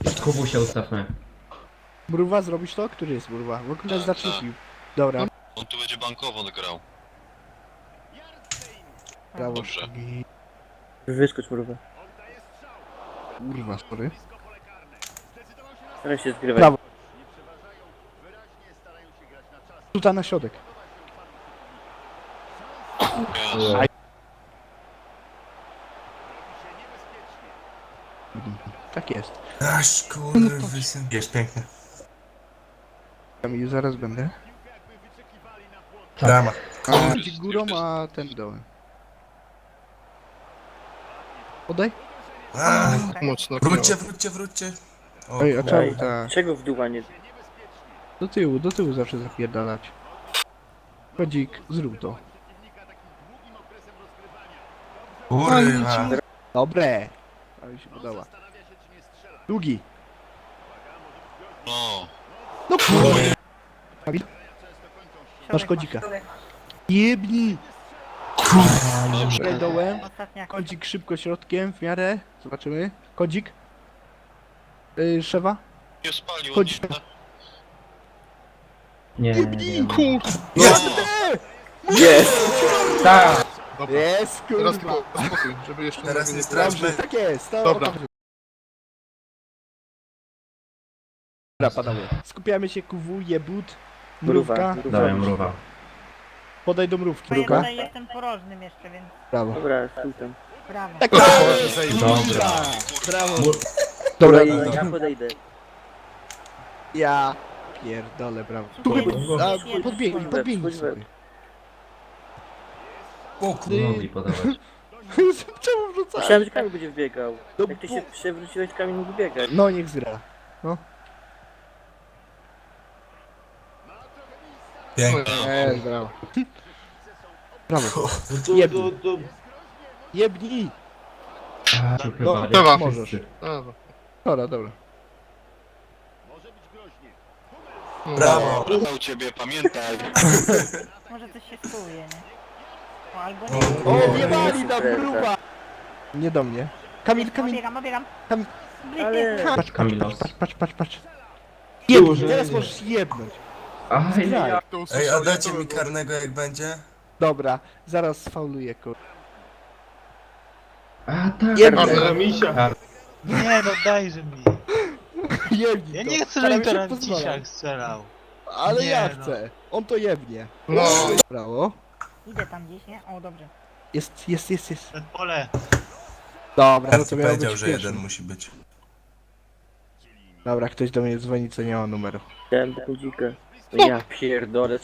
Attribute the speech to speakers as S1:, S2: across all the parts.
S1: Kubu się ustawmy.
S2: Mruwa, zrobisz to? Który jest Mruwa? W ogóle zaczepił. Dobra,
S3: On tu będzie bankowo grał.
S2: brawo.
S3: Dobrze.
S2: Szkogi.
S4: Wyskocz mrówę.
S2: Kurwa, sorry.
S4: Teraz się zgrywaj.
S2: Brawo. Tuta na środek.
S3: Jezu.
S2: Tak jest.
S5: Aż kurwysyn. Jest pięknie.
S2: Kamilu, zaraz będę.
S5: Drama.
S2: A ci górą, a ten dołem. Podaj.
S5: A,
S6: Mocno.
S5: wróćcie. O,
S2: Ej, a
S5: kurwa.
S2: czemu tak?
S4: Czego w dół, a nie...
S2: Do tyłu zawsze zapierdalać. Chodzik, zrób to.
S5: Kurwa.
S2: Dobre. A mi się podoba. Długi.
S3: No.
S2: No kurwa. Kamil, masz kodzika. Jebni.
S3: Dobrze.
S2: Graj dołem.
S7: Ostatnia.
S2: Kodzik szybko środkiem, w miarę. Zobaczymy. Kodzik. Szewa.
S3: Nie spalił.
S2: Chodź.
S1: Nie, nie.
S4: Jest!
S1: Tak!
S6: Dobra.
S2: Jest,
S6: Teraz
S2: kurwa.
S6: tylko spokój, żeby jeszcze
S5: Teraz nie
S6: nie
S5: straszmy.
S2: Tak jest, to
S6: Dobra.
S2: Dobra, panowie. Skupiamy się, KW, jebut,
S4: Mruwa.
S2: mrówka.
S1: Dawaj mruwa.
S2: Podaj do mrówki,
S7: Bo ja
S2: mrówka.
S7: tutaj jestem porożnym jeszcze, więc
S2: Brawo.
S4: Dobra, stój tam.
S7: brawo.
S2: Tak,
S1: Dobra.
S2: brawo.
S1: Mur-
S2: Dobra,
S4: Ja podejdę.
S2: ja pierdolę, brawo. Tu podbiegnij, podbiegnij sobie.
S5: O kurwa.
S1: Mogli podawać.
S2: Czemu wrzucać?
S4: Myślałem, że Kamil będzie wbiegał.
S2: No
S4: Jak ty
S2: bo-
S4: się przewróciłeś, Kamil mógł biegać.
S2: No, niech zgra.
S5: Pięknie.
S2: Brawo. Brawo. Jebnij. Jebnij.
S1: A, tu chyba
S6: Dobra.
S1: nie
S2: Możesz.
S1: wszyscy.
S2: Dobra, dobra.
S5: Brawo.
S3: U ciebie, pamiętaj.
S7: Może coś się spłuje, nie? O, albo
S5: O,
S7: nie.
S2: O, jebali na gruba. Nie do mnie. Kamil, Kamil.
S7: Obiegam.
S2: Kamil.
S4: Ale...
S2: Patrz,
S1: Kamilos.
S2: patrz. Jebnij, teraz możesz jebnąć.
S1: Aj, ja.
S5: Ej, a dacie mi karnego jak będzie?
S2: Dobra, zaraz sfauluję, kur...
S1: A, tak.
S2: Jebnij.
S8: Nie no, dajże mi.
S2: Jebnij
S8: Ja
S2: to.
S8: nie chcę,
S2: Staram
S8: żeby
S2: się
S8: teraz
S2: pozwalać.
S8: Cisiak strzelał.
S2: Ale
S8: Nie,
S2: ja
S8: no.
S2: chcę. On to jebnie.
S6: No.
S2: Brawo.
S7: Idę tam gdzieś, nie? O, dobrze.
S2: Jest.
S8: Przed pole.
S2: Dobra, no
S5: Arci
S2: to miało
S5: powiedział,
S2: być
S5: że
S2: pierwszy.
S5: jeden musi być.
S2: Dobra, ktoś do mnie dzwoni, co nie ma numeru.
S4: Chciałem do kodzika. No ja pierdolę.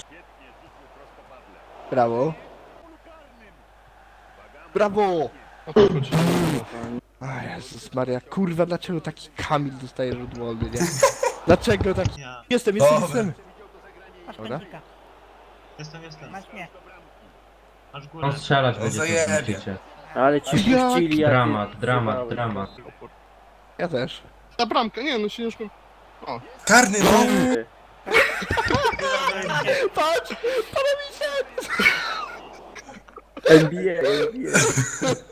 S2: Brawo. Brawo!
S6: O to chodzi.
S2: A Jezus Maria, kurwa, dlaczego taki Kamil dostaje rzut wolny, nie? Dlaczego taki...
S8: Ja.
S2: Jestem.
S7: Masz
S2: Dobra.
S7: pędzika.
S8: Jestem.
S7: Masz mnie.
S8: Masz górę.
S1: On strzelać
S5: O,
S1: będzie,
S5: zajebie.
S1: to widzicie.
S4: Ale ci
S2: Jak?
S4: puścili, jak
S1: Dramat.
S2: Ja też.
S6: Ta bramka, nie no ciężko.
S5: Karny, no!
S2: Patrz!
S4: NBA.